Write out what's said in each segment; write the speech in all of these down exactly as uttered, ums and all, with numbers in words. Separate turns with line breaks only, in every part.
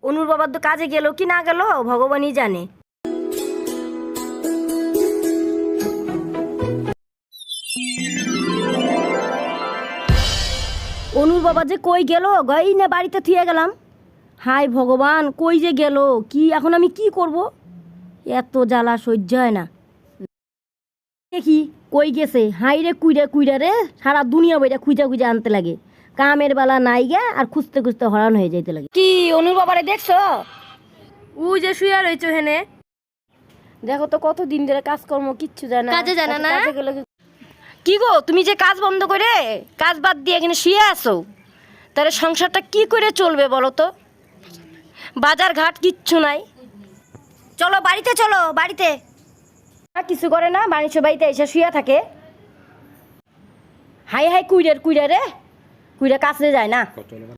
অনুর বাবার তো কাজে গেল কি না গেল ভগবানই জানে। অনুর বাবা যে কই গেল গাই না বাড়িতে থুয়ে গেলাম। হাই ভগবান, কই যে গেল, কি এখন আমি কি করব? এত জ্বালা সহ্য হয় না। দেখি কই গেছে, হাই রে কুইরা কুইরা রে সারা দুনিয়া বইটা খুঁজা খুঁজা আনতে লাগে। কামের বেলা নাই গে আর খুঁজতে খুঁজতে হরান হয়ে যাইতে লাগে। কি অনুর বাবারে দেখছো? ও যে শুয়ে রয়েছে হেনে, দেখো তো কত দিন ধরে কাজকর্ম কিচ্ছু জানা, কাজে জানা না। কি গো তুমি যে কাজ বন্ধ করে কাজ বাদ দিয়ে এখানে শুয়ে আসো, তাহলে সংসারটা কি করে চলবে বলো তো? বাজার ঘাট কিচ্ছু নাই। চলো বাড়িতে, চলো বাড়িতে। কিছু করে না, বাণিজ্য বাড়িতে এসে শুয়ে থাকে। হাই হাই কুইরের কুইরা রে, কুইরা কাছে যায় না।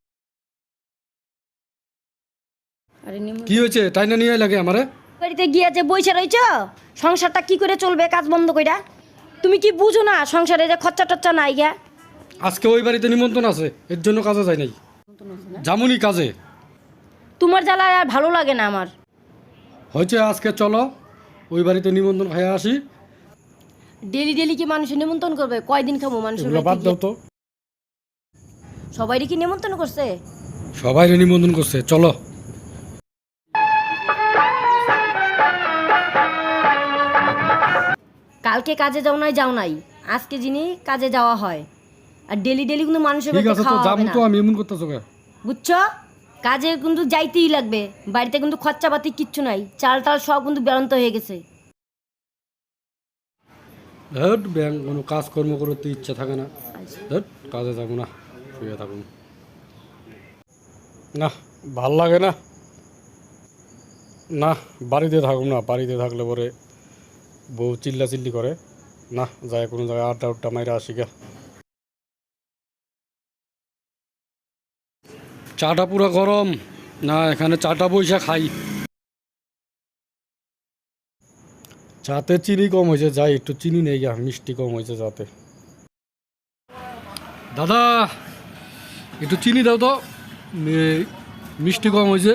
কি হয়েছে তাই না নিয়ে লাগে আমারে?
বাড়িতে গিয়ে যে বইসা রইছ, সংসারটা কি করে চলবে কাজ বন্ধ কইরা? তুমি কি বুঝো না সংসারে যে খরচা টচ্চা নাই গা?
আজকে ওই বাড়িতে নিমন্ত্রণ আছে, এর জন্য কাজে যাই নাই। জামুনি কাজে।
তোমার জ্বালায় আর ভালো লাগে না আমার।
হয়েছে আজকে চলো ওই বাড়িতে নিমন্ত্রণ খাইয়া আসি।
ডেলি ডেলি কি মানুষের নিমন্ত্রণ করবে? কয়দিন খাবো মানুষের?
বাদ দাও তো।
সবাইরে কি নিমন্ত্রণ করছে?
সবাই নিমন্ত্রণ করছে, চলো।
কালকে কাজে যাও নাই যাও নাই, আজকে যিনি কাজে যাওয়া হয়। আর ডেলি ডেলি কিন্তু মানুষের বাড়িতে খাওয়া হবে না।
তো আমি এমন করতেছো কেন?
বুঝছো? কাজে কিন্তু যাইতেই লাগবে। বাড়িতে কিন্তু খরচাপাতি কিচ্ছু নাই, চাল টাল সব কিন্তু বেরন্ত হয়ে গেছে।
ধর ব্যাংক কোনো কাজকর্ম করতে ইচ্ছা থাকে না, ধর কাজে যাবো না, শুয়ে থাকুন না, ভাল লাগে না। না বাড়িতে থাকুন না, বাড়িতে থাকলে পরে বউ চিল্লা চিল্লি করে। না যায় কোনো জায়গায় আড্ডা উড্ডা মাইরা আসি গা। চাটা পুরো গরম না, এখানে চাটা বইসা খাই। চাতে চিনি কম হয়েছে, যাই একটু চিনি নেই গা, মিষ্টি কম হয়েছে চাতে। দাদা একটু চিনি দাও তো, মিষ্টি কম হয়েছে।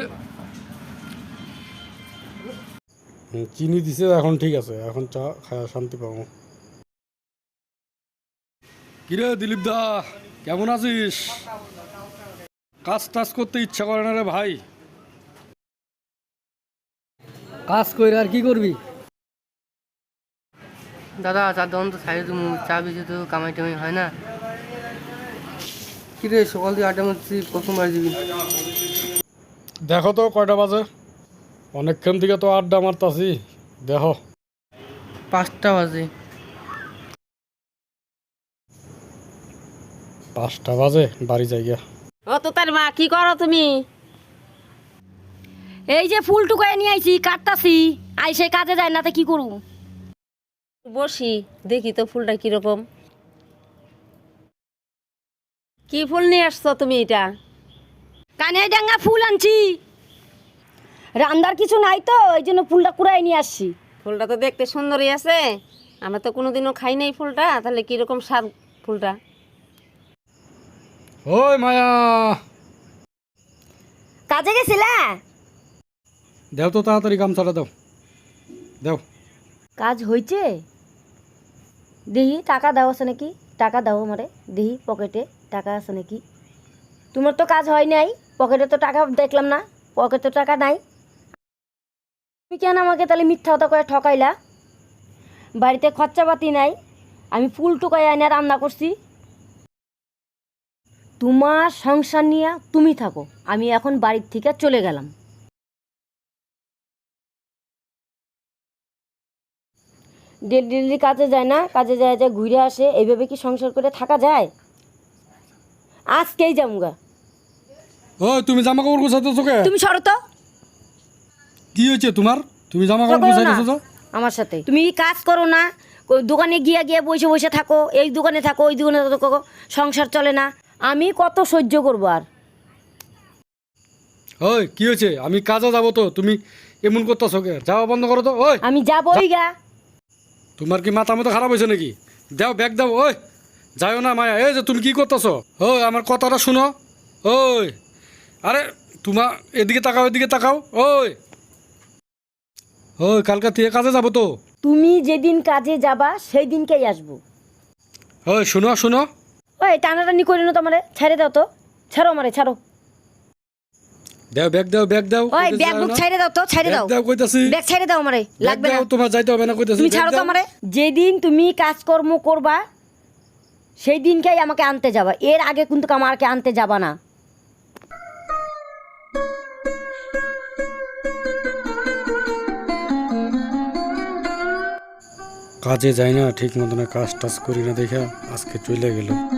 চিনি দিছে এখন, ঠিক আছে এখন চা খায়া শান্তি পাবো। কিরে দিলীপ দা, কেমন আছিস? কাজ টাজ করতে ইচ্ছা করে না রে ভাই। কাজ করে আর কি করবি?
দাদা চা দোকান তো সাইড তুমি চা বেশি তো কামাই টামাই হয় না। কি রে সকাল দিয়ে আড্ডা মারছি, প্রথমবার দিবি?
দেখো তো কয়টা বাজে, অনেকক্ষণ থেকে তো আড্ডা মারতাছি, দেখো।
পাঁচটা বাজে।
পাঁচটা বাজে, বাড়ি যাই গিয়া।
ও তো তার মা, কি করো তুমি? এই যে ফুল টুকায় নিয়ে আইছি, কাটতাছি। আইসে কাজে যায় না তো কি করু?
বসি দেখি তো ফুলটা কিরকম। কি ফুল নিয়ে আসছো তুমি? এটা
কানে ডাঙ্গা ফুল আনছি, রান্দার কিছু নাই তো এই জন্য ফুলটা কুড়াই নিয়ে আসছি।
ফুলটা তো দেখতে সুন্দরই আছে, আমরা তো কোনোদিনও খাই নাই ফুলটা, তাহলে কিরকম স্বাদ ফুলটা?
ওই মায়া,
কাজে গেছিলা?
দেও তো তাড়াতাড়ি গামছাটা দাও, দাও।
কাজ হয়েছে? দেখি টাকা দাও আছে নাকি, টাকা দাও আমারে দেখি, পকেটে টাকা আছে নাকি। তোমার তো কাজ হয় নাই, পকেটে তো টাকা দেখলাম না, পকেটে টাকা নাই। তুমি কেন আমাকে তাহলে মিথ্যা কথা করে ঠকাইলা? বাড়িতে খরচাপাতি নাই, আমি ফুল টুকাই এনে রান্না করছি। তোমার সংসার নিয়ে তুমি থাকো, আমি এখন বাড়ির থেকে চলে গেলাম। ডেলি ডেলি কাজে যায় না, কাজে যায় যায় ঘুরে আসে, এইভাবে কি সংসার করে থাকা যায়? আজকেই যামুগা।
ও তুমি জামা কাপড় গোছাতেছো কে?
তুমি সরো তো।
কি হয়েছে তোমার? তুমি জামা কাপড় গোছাইতেছো তো?
আমার সাথে তুমি কাজ করো না, ওই দোকানে গিয়ে গিয়ে বসে বসে থাকো, এই দোকানে থাকো ওই দোকানে থাকো, সংসার চলে না। আমি কত সহ্য করবো আর?
ওই কি হয়েছে? আমি কাজে যাবো তো, তুমি এমন করতেছো কে? যাওয়া বন্ধ করো তো। ওই
আমি যাবোই গা।
তোমার কি মাথা মতো খারাপ হয়েছে নাকি? দাও ব্যাগ দাও। ওই যাও না মায়া, এই যে তুমি কি করতেছো? ওই আমার কথাটা শুনো। ওই আরে তোমার এদিকে তাকাও, এদিকে তাকাও। ওই ওই কালকা থেকে কাজে যাবো তো।
তুমি যেদিন কাজে যাবা সেই দিনকেই আসবো।
ওই শুনো শুনো,
ওই টানাটানি করে না তোমারে, ছেড়ে দাও তো, ছাড়ো আমারে, ছাড়ো।
দাও ব্যাগ দাও, ব্যাগ দাও।
ওই
কইতাছি
ব্যাগ
যাও
বুক
না।
ছেড়ে দাও তো, ছেড়ে
ব্যাগ
দাও,
দাও কইতাছি।
ব্যাগ ছেড়ে দাও আমারে,
ব্যাগ
লাগবে না।
দাও, তোমার যাইতে হবে না কইতাছি।
তুমি
ব্যাগ
ছাড়ো তো
দাও।
আমারে। যেদিন তুমি কাজকর্ম করবা সেই দিনকেই আমাকে আনতে যাবা, এর আগে কিন্তু আমাকে আনতে যাবা না।
কাজে যাই না ঠিক মতন, কাজ টাজ করি না দেখা আজকে চলে গেল।